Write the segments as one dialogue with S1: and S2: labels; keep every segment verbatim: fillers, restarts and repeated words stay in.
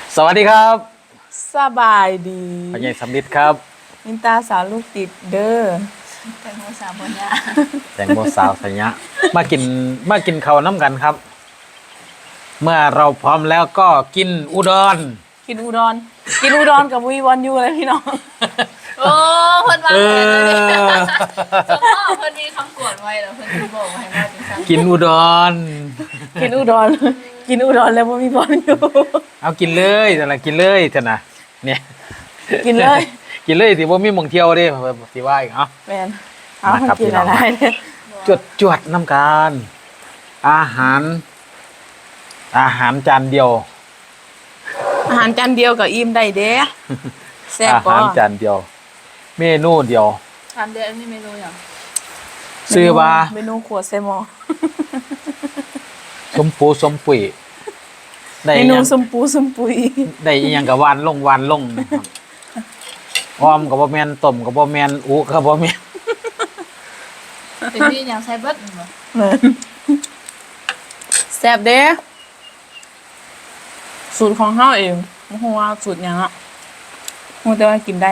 S1: สวัสดีครับ
S2: สบายดี
S1: พ่อใหญ่สำลิดครับ
S2: มินตาสาวลูกติดเด้อ
S3: แตงโมสาวบนยา
S1: แตงโมสาวสัญญะมากินมากินข้าวน้ำกันครับ เมื่อเราพร้อมแล้วก็กินอุดร
S2: กินอุดรกินอุดรกับวีวันยูเลยพี่น้อง
S3: โอ้เพิ่นว่า
S1: เออ
S3: เจ้าพ่อเพิ่นมีคำกวดไว้แล้วเพิ่นสิบอกให้ว่าจังซั่น
S1: กินอุดร
S2: กินอุดรกินอุดรแล้วบ่มีบอลอยู่
S1: เอากินเลยแต่ละกินเลยเถอะนะเนี่ย
S2: กินเลย
S1: กินเลยสิบ่มีหม่องเที่ยวเด้สิว่าอีกเอ้า
S2: แม่นเอาให้กินอะไรเนี่ย
S1: จวดจวดน้ำกันอาหาร อาหารจานเดียว
S2: อาหารจานเดียวกับอิ่มได้เด้แซ่บ
S1: อา
S2: บ่
S1: หารจานเดียว เมนูเดียว
S3: ถามเด้ออันนี้เมนูหยัง
S1: ซื้อว่า
S2: เมนูขวดเซมอ
S1: สมปูสมปุ๋ยได้
S2: เม
S1: อิห
S2: นู
S1: ยัง
S2: สมปูสมปุย
S1: ได้อีหยังกับวานลงวานลงนะครับออมกับบ่แม่นต้มกับบ่แม่นอุกับบ่แม่น
S3: เป็นมีหยังใส่เบิดบ่
S2: แม่นแซ่บเด้สูตรของเฮาเองบ่ฮู้ว่าสูตรหยังอ่ะฮู้แต่ว่ากินได้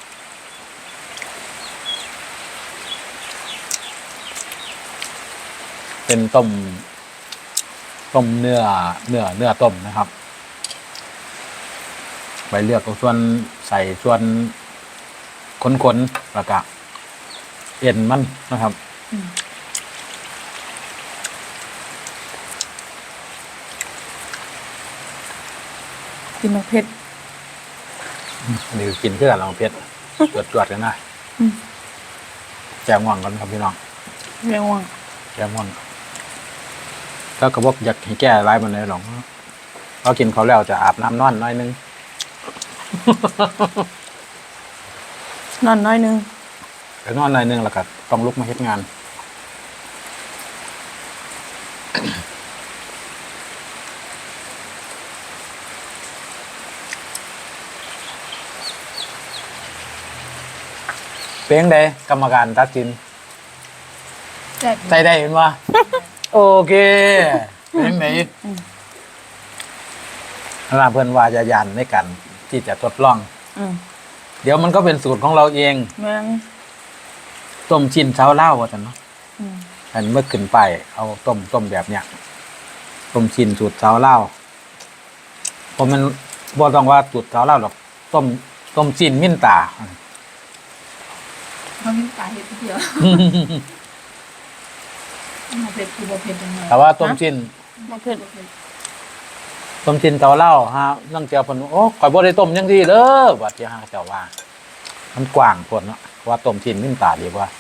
S1: เป็นต้มต้มเนื้อเนื้อเนื้อต้มนะครับไปเลือกเอาส่วนใส่ส่วนขนๆแล้วก็เอ็นมันนะครับ
S2: กินมะเผ็ด
S1: อันนี้กินเพื่อลองเพชรตรวจตรวจกันนะแจมง่วงกันครับพี่น้อง
S2: เรียกว่า
S1: แจมง่วงแล้วก็บอกอยากให้แก้อะไรมันเลยหรอกเพราะกินเขาวแล้วจะอาบน้ำนอนน้อยนึง
S2: นอนน้อยนึง
S1: ไปนอนหน่อยนึงแล้วก็ต้องลุกมาเฮ็ดงาน เป้งได้กรรมการตัดสิน
S3: แซ่บ
S1: ใจได้เห็นว่า โอเคเป้งไหนลาเพื่อนว่าจะยันในกันที่จะทดลอง
S2: อืม
S1: เดี๋ยวมันก็เป็นสูตรของเราเอง
S2: แม่ง
S1: ต้มชิ้นเช้าเล่าว่าจันเนาะ
S2: อืม
S1: อันเมื่อขึ้นไปเอาต้มต้มแบบเนี้ยต้มชิ้นสูตรเช้าเล่าเพราะมันบ่ต้องว่าสูตรเช้าเล่าหรอกต้มต้มชิ้นมิ้นตา
S3: บ่มีตาเฮ็ดเดียวมาเผ็ดคือบ่เผ็ดจังได๋
S1: แต่ว่าต้มชิ้น
S3: บ่เผ็ดบ่เผ็ด
S1: ต้มชิ้นเช้าเล่าฮะนั่งเจียวเพิ่นโอ้ข่อยบ่ได้ต้มจังซี่เด้อว่าที่ฮะเจ้าว่า มันกว้างโพดเนาะว่าต้มชิ้นมิ้นตาดีกว่า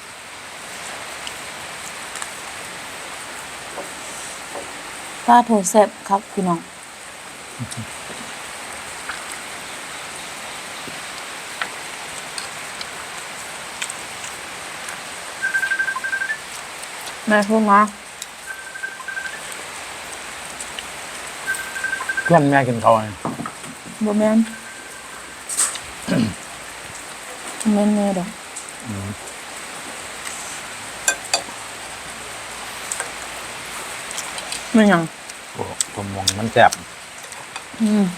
S2: ตาโถแซ่บครับพี่น้องแม่พูดมา
S1: เพื่อนแม่กินข้าวไง
S2: บ่แม่น แม่นแม่ดอกไม่หยัง
S1: โอ้ผมมองมันแซ่บ
S2: อืม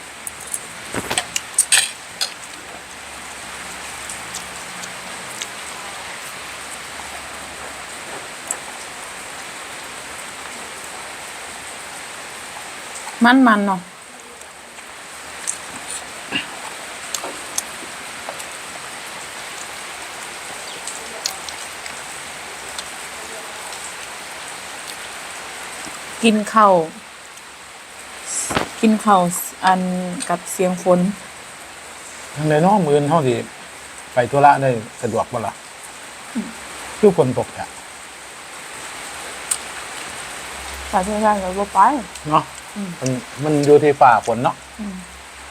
S2: มันมันเนาะกินข้าวกินข้าวอันกับเสียงฝน
S1: ทางใดเน้อมื้ออื่นเฮาสิไปธุระได้สะดวกบ่ล่ะคือฝนตกอ่ะ
S2: สาธุชาติเราบ่ไป
S1: เนาะมันมันอยู่ที่ฝ่าฝนเนาะ
S2: อืม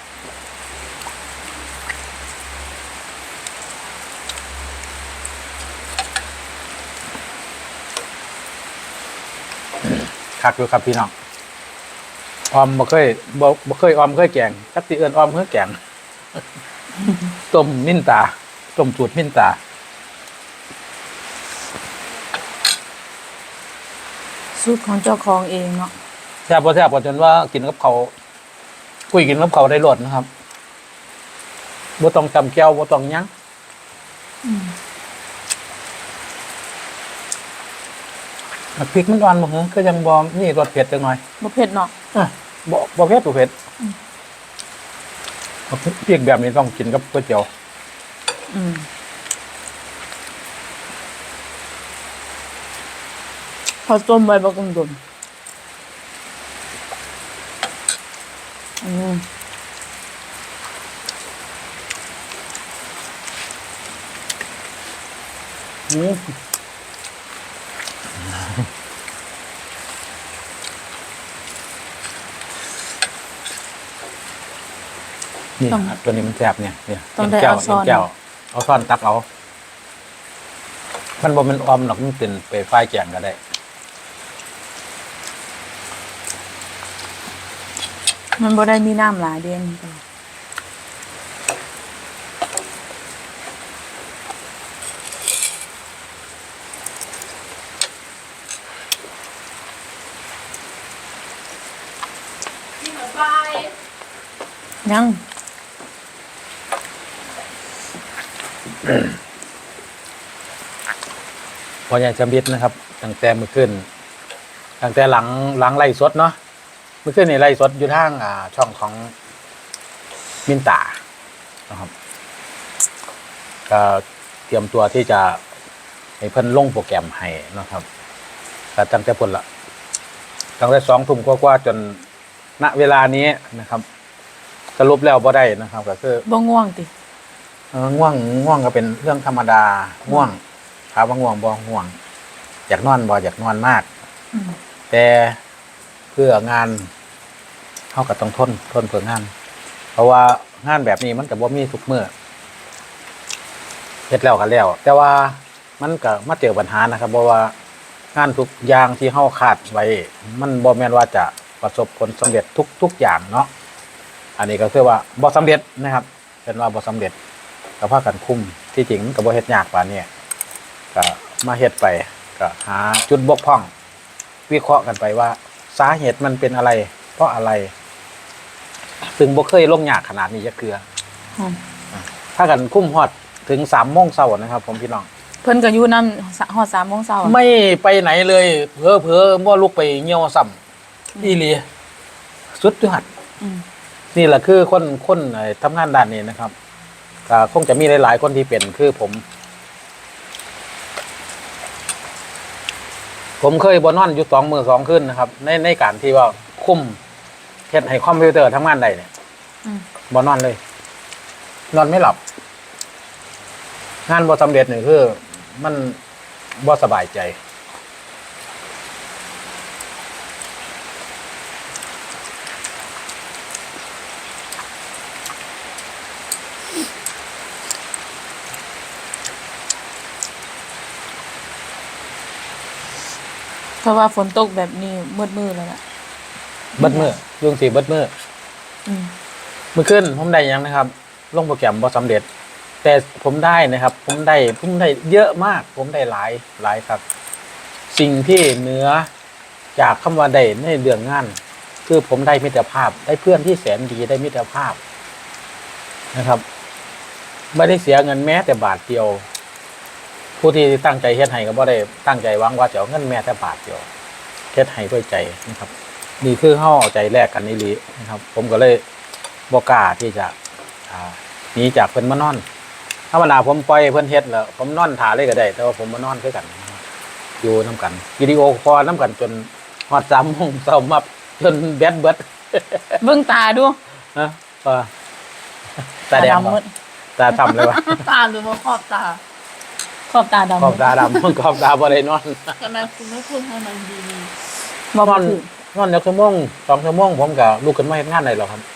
S1: คักอยู่ครับพี่น้องออมบ่เคยบ่บ่เคยออมเคยแกงจักสิเอิ้นออมเคยแกง ต้มมิ้นตาต้มสูตรมิ้นตา
S2: สูตรของเจ้าของเองเนาะ
S1: แซ่บพอแซ่บพอจนว่ากินกับเขาวคุยกินกับเขาวได้รสนะครับบ่ต้องจำแก้วบ่ต้องหยัง
S2: อืม
S1: พริกมันอ่อนบ่เหรอก็ยังบ่มีรสเผ็ดจังหน่อย
S2: บ่เผ็ดเนาะ
S1: อ่ะบ่บ่เผ็ดบ่เผ็ด
S2: อืม
S1: พริกแบบนี้ต้องกินกับก๋วยเตี๋ยว
S2: อืมพอต้มไว้บ่กงดนอืม
S1: อืมนี่ครับตัวนี้มันแซ่บเนี่ยเนี่ย
S2: ต้องได้
S1: แก้ว
S2: เอาช้อน
S1: แก้วเอาช้อนตักเอา มันบ่แมันออมหรอกมันเป็นไปฝ้ายแกงก็ได้
S2: มันบ่ได้มีน้ำหลายเด่น
S3: ที่มาไป
S2: ยัง
S1: พอใหญ่จำบิดนะครับตั้งแต่เมื่อคืนตั้งแต่หลังหลังไล่สดเนาะเมื่อคืนนี่ไล่สดอยู่ทางอ่า ช่องของมินตานะครับก็เตรียมตัวที่จะให้เพิ่นลงโปรแกรมให้นะครับแต่ตั้งแต่พุ่นละตั้งแต่สองทุ่มกว่าๆจนณเวลานี้นะครับ สรุปแล้วบ่ได้นะครับ ก็คือ
S2: บ่ง่วงติ
S1: เออง่วงง่วงก็เป็นเรื่องธรรมดาง่วงถามว่าง่วงบ่ง่วง อยากนอนบ่อยากนอนมาก
S2: อืม
S1: แต่เพื่องานเขาก็ต้องทนทนเพื่องาน เพราะว่างานแบบนี้มันก็บ่มีทุกมื้อเฮ็ดแล้วก็แล้ว แต่ว่ามันก็มาเจอปัญหานะครับเพราะว่างานทุกอย่างที่เฮาคาดไว้ มันบ่แม่นว่าจะประสบผลสำเร็จทุกทุกอย่างเนาะอันนี้ก็คือว่าบ่สำเร็จนะครับ เป็นว่าบ่สำเร็จก็พากันคุมที่จริงมันก็บ่เฮ็ดยากปานนี้ก็มาเฮ็ดไปก็หาจุดบกพร่อง วิเคราะห์กันไปว่าสาเหตุมันเป็นอะไร เพราะอะไร ซึ่งบ่เคยลงยากขนาดนี้จะเกลือ
S2: อืม
S1: ถ้ากันคุ้มฮอดถึงสามโมงเช้านะครับ ผมพี่น้อง
S2: เพิ่นก็อยู่นำฮอดสามโมงเช้า
S1: ไม่ไปไหนเลยเพ้อเพ้อบ่ลุกไปเหี่ยวซ้ำอีหลีสุดยอด
S2: อืม
S1: นี่แหละคือคนคนเอ่อทำงานด้านนี้นะครับก็คงจะมีหลาย ๆ คนที่เป็นคือผม ผมเคยบนนอนอยู่สองมือสองขึ้นนะครับ ในในการที่ว่าคุมเฮ็ดให้คอมพิวเตอร์ทำงานได้เนี่ย
S2: อืม
S1: บนนอนเลย นอนไม่หลับ งานบ่สำเร็จนี่คือ มันบ่สบายใจ
S2: เพราะว่าฝนตกแบบนี้มืดมืดแล้วล่ะ
S1: เบิดมือยุงสีเบิดมือ
S2: อืม
S1: เมื่อคืนผมได้หยังนะครับ ลงโปรแกรมบ่สำเร็จ แต่ผมได้นะครับ ผมได้ผมได้เยอะมาก ผมได้หลายหลายครับ สิ่งที่เหนือจากคำว่าได้ในเรื่องงาน คือผมได้มิตรภาพ ได้เพื่อนที่แสนดีได้มิตรภาพนะครับ ไม่ได้เสียเงินแม้แต่บาทเดียว ผู้ที่ตั้งใจเฮ็ดให้ก็บ่ได้ตั้งใจหวังว่าจะเอาเงินแม้แต่บาทเดียวเฮ็ดให้ด้วยใจนะครับนี่คือเฮาเอาใจแลกกันนี่ลีนะครับ ผมก็เลยบ่กล้าที่จะอ่าหนีจากเพิ่นมานอนธรรมดาผมปล่อยเพิ่นเฮ็ดแล้วผมนอนท่าเลยก็ได้ แต่ว่าผมมานอนคือกันนะครับอยู่นํกันวิดีโอคอลนํกันจนฮอดสามโมงเช้ามาจนแบตเบิด
S2: เบิ่งตาดู
S1: นะว่าตาแดง
S2: ดำ
S1: บ่
S2: มืด
S1: ตาทำเลยวะ
S3: ตาหรือว่าขอบตา
S2: ขอบตาดำ
S1: ขอบตาดำ ขอบตาบ่ได้นอน
S3: ทำไมคุณไม่พูดให้มันดี
S2: บ่
S1: น
S2: บ่
S1: อน
S2: ถึง
S1: นอนจักชั่วโมงสองชั่วโมงผมก็ลุกขึ้นมาเฮ็ดงานได้แล้วครับ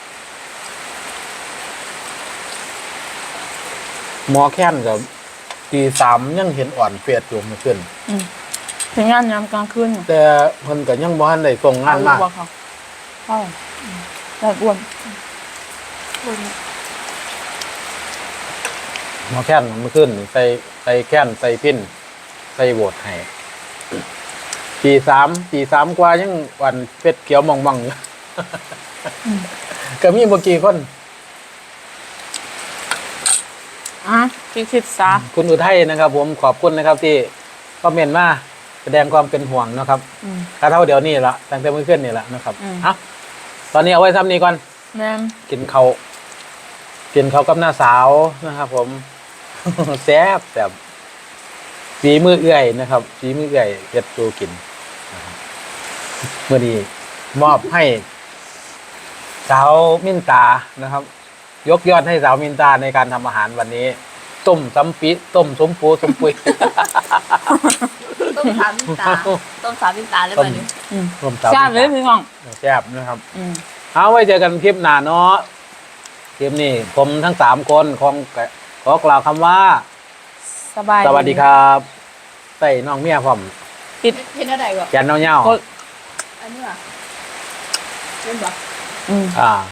S1: หมอแค้นกับตีสามยังเห็นอ่อนเปียดอยู่เมื่อคืน
S2: อืมถึงงานยามกลางคืนอยู่
S1: แต่เพิ่นก็ยังบ่ทันได้ส่งงานมา
S2: เอลูกบ่เขาเข้าแบบอ้วน
S3: ๆคุณ
S1: หมอแค้นเมื่อคืนนี่ใส่ใส่แค้นใส่พินใส่โหวตให้ตีสามตีสามกว่ายังอ่อนเป็ดเขียวมองๆอยู่ก็มีเมื่อกี้คน
S2: อ่ะพี่คิดซะ
S1: คุณอุทัยนะครับ ผมขอบคุณนะครับ ที่คอมเมนต์มาแสดงความเป็นห่วงนะครับ
S2: อืม
S1: กระเท่าเดี๋ยวนี้ละตั้งแต่เมื่อคืนนี่ละนะครับ
S2: อืม
S1: เอ่ะตอนนี้เอาไว้ซ้ำนี้ก่อน
S2: แม่น
S1: กินเขาวกินเขาวกับหน้าสาวนะครับ ผม แซ่บแซ่บฝีมือเอื่อยนะครับฝีมือเอื่อยเฮ็ดดูกินนะครับเมื่อนี้มอบให้ สาวมินตานะครับ ยกยอดให้สาวมินตาในการทำอาหารวันนี้ ต้มซ้ำปิต้มสมปูสมปุย
S3: ต้มสามพินตาต้มสามพินตาได้
S1: ต้
S3: ไหม
S1: ม
S3: นี่
S2: อืม
S1: ต้มสาว
S2: ทราบเลยพี่น้อง
S1: แซ่บนะครับ
S2: อืม
S1: เอาไว้เจอกันคลิปหน้าเนาะคลิปนี้ผมทั้งสามคนขอขอกล่าวคำว่า
S2: สบาย
S1: สวัสดีครับใส่น้องเมียผม
S2: ปิด
S3: เห็นอะไรก่อน
S1: แกนเน่าเน่าก
S2: ด
S3: อันนี้อ่ะเป็นแบบ
S2: อืม
S1: อ่า